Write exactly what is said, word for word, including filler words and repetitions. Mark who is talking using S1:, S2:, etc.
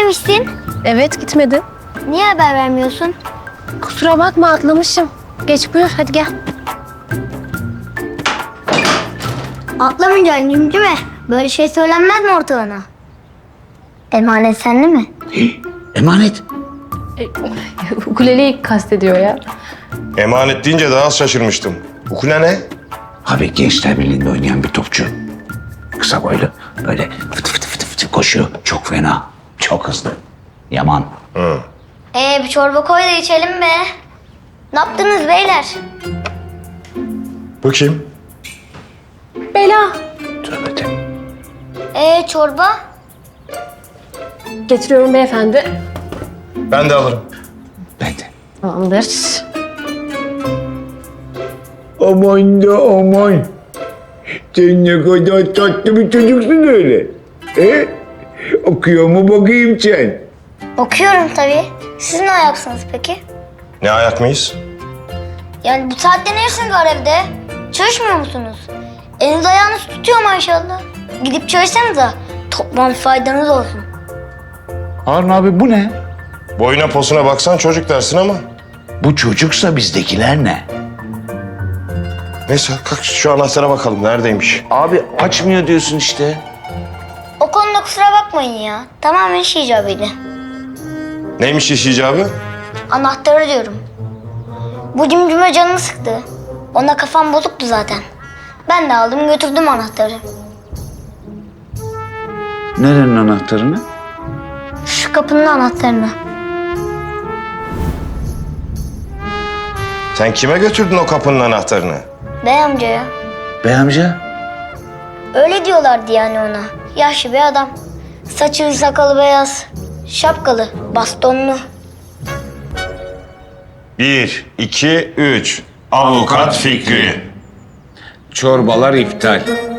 S1: gitmemişsin.
S2: Evet, gitmedim.
S1: Niye haber vermiyorsun?
S2: Kusura bakma, atlamışım. Geç buyur, hadi gel.
S1: Atlamayacaksın cimcime. Böyle şey söylenmez mi ortalığına? Emanet sende mi?
S3: Emanet.
S2: Ukuleleyi kastediyor ya.
S4: Emanet deyince daha az şaşırmıştım. Ukule ne?
S3: Abi Gençler Birliği'nde oynayan bir topçu. Kısa boylu. Böyle fıtı fıtı fıtı fıtı koşuyor. Çok fena. Çok hızlı. Yaman.
S4: Hı.
S1: Ee bir çorba koy da içelim be. Ne yaptınız beyler?
S4: Bu kim?
S2: Bela.
S3: Tövbe de.
S1: Ee çorba?
S2: Getiriyorum beyefendi.
S4: Ben de alırım.
S3: Ben de.
S2: Tamamdır.
S5: Aman da aman. Sen ne kadar tatlı bir çocuksun öyle. He? Okuyor mu bakayım sen?
S1: Okuyorum tabii. Siz ne ayaksınız peki?
S4: Ne ayak mıyız?
S1: Yani bu saatte ne işiniz var evde? Çalışmıyor musunuz? Eliniz ayağınız tutuyor maşallah. Gidip çalışsanıza. Toplam faydanız olsun.
S3: Harun abi bu ne?
S4: Boyuna posuna baksan çocuk dersin ama.
S3: Bu çocuksa bizdekiler ne?
S4: Neyse kalk şu anahtara bakalım neredeymiş.
S3: Abi açmıyor diyorsun işte.
S1: O konuda kusura bakmayın ya. Tamamen iş icabıydı.
S4: Neymiş iş icabı?
S1: Anahtarı diyorum. Bu cimcime canımı sıktı. Ona kafam bozuktu zaten. Ben de aldım götürdüm anahtarı.
S3: Nerenin anahtarını?
S1: Şu kapının anahtarını.
S4: Sen kime götürdün o kapının anahtarını?
S1: Bey amcaya.
S3: Bey amca.
S1: Öyle diyorlardı yani ona. Yaşlı bir adam. Saçı sakalı beyaz. Şapkalı, bastonlu.
S4: Bir, iki, üç. Avukat Fikri.
S5: Çorbalar iptal.